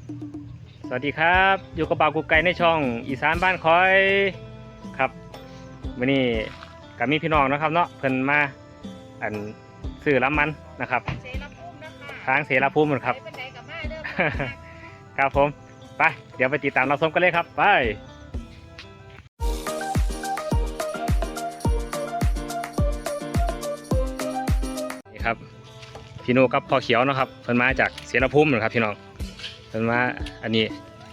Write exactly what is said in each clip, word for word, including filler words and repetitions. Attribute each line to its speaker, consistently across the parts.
Speaker 1: สวัสดีครับอยู่กับบ่าวกุ๊กไก่ในช่องอีสานบ้านคอยครับวันนี้กับมีพี่น้องนะครับเนาะเพิ่นมาอันซื้อล้ำมันนะครับ
Speaker 2: เสรภูมินะคะ
Speaker 1: ทางเสรภูมิครับ
Speaker 2: ไปเป็นไหนกับมาเด้อ
Speaker 1: ครับผมไปเดี๋ยวไปติดตามรับชมกันเลยครับไปนี่ครับพี่โนกับพ่อเขียวนะครับเพิ่นมาจากเสรภูมินะครับพี่น้องเพิ่นมาอันนี้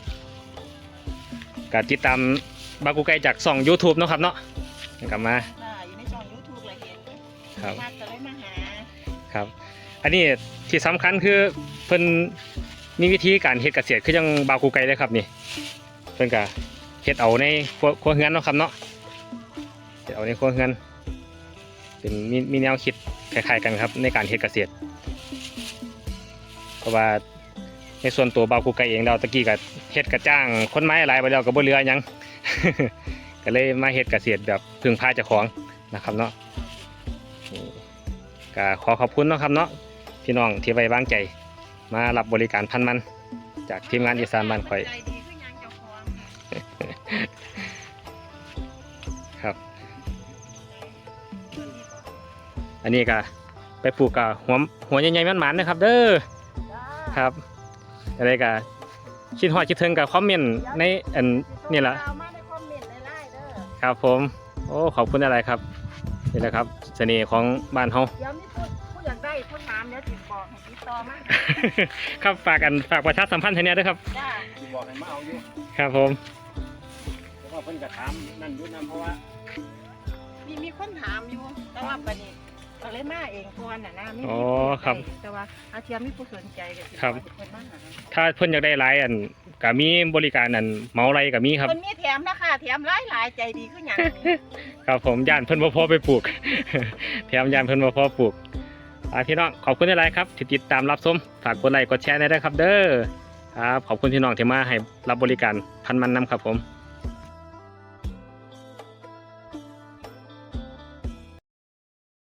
Speaker 1: ก็ติดตามบ่าวกุ๊กไก่จากช่อง YouTube เนาะครับเนาะกลับมา
Speaker 2: อยู่ในช่องยูทูบเลยเห็น
Speaker 1: ครับ
Speaker 2: มาจะได้มาหา
Speaker 1: ครับอันนี้ที่สำคัญคือเพิ่นมีวิธีการเฮ็ดเกษตรคือจังบ่าวกุ๊กไก่เลยครับนี่เพิ่นก็เฮ็ดเอาในครัวครัวเรือนเนาะครับเนาะเฮ็ดเอาในครัวเรือนเป็นมีมีแนวคิดคล้ายๆกันครับในการเฮ็ดเกษตรเพราะว่าในส่วนตัวบ่าวกุ๊กไก่เองเราตะกี้ก็เฮ็ดกระจ้างคนไม้หลายไปแล้วก็บ่เหลือหยัง ก็เลยมาเฮ็ดเกษตรแบบพึ่งพาเจ้าของนะครับเนาะนี่ก็ขอขอบคุณเนาะครับเนาะพี่น้องที่ไว้วางใจมารับบริการพันมันจากทีมงานอีสานบ้านข่อย
Speaker 2: ใจดีขึ้นยังเจ้าของ
Speaker 1: ครับอันนี้ก็ไปปลูกกับหัวหัวใหญ่ๆมันๆนะครับเด้อครับอะไรก็คิดฮอดคิดถึงกับคอมเมนต์ในอันนี่แหละ
Speaker 2: มาในคอมเมนต์ไล่ๆเด้อ
Speaker 1: ครับผมโอ้ขอบคุณอะไรครับนี่แหละครับเสน่ห์ของบ้านเฮา
Speaker 2: เดี๋ยวมีผู้ผู้อยากได้ผู้ถามเดี๋ยวติดบอกให้ติดต่อมา
Speaker 1: ครับฝากกันฝากประชาสัมพันธ์ให้แน่ด้วยครับ
Speaker 2: จ้า
Speaker 3: ที่บอกให้มาเอาอยู่
Speaker 1: ครับผม
Speaker 3: เพราะว่าเพิ่นก็ถามนั่นอยู่นำเพราะว่า
Speaker 2: มีมีคนถามอยู่แต่ว่าบัดนี้เราเลยมาเองก่อนน่ะนะมี
Speaker 1: อ๋อครับ
Speaker 2: แต่ว่าอาเทียมมีผู้สนใจก็สิ
Speaker 1: ครับ
Speaker 2: เพิ่นมาหา
Speaker 1: ถ้าเพิ่นอยากได้หลายอันก็มีบริการอันเหมาไรก็มีครับ
Speaker 2: เพิ่นมีแถมนะคะแถมหลายหลายๆใจดีขึ้นอย่างนี้
Speaker 1: ครับผมย่านเพิ่นบ่พอไปปลูก แถมย่านเพิ่นบ่พอปลูกอ่าพี่น้องขอบคุณหลายๆครับที่ติดตามรับชมฝากกดไลค์กดแชร์ได้ด้วยครับเด้อครับขอบคุณพี่น้องที่มาให้รับบริการพันมันนำครับผม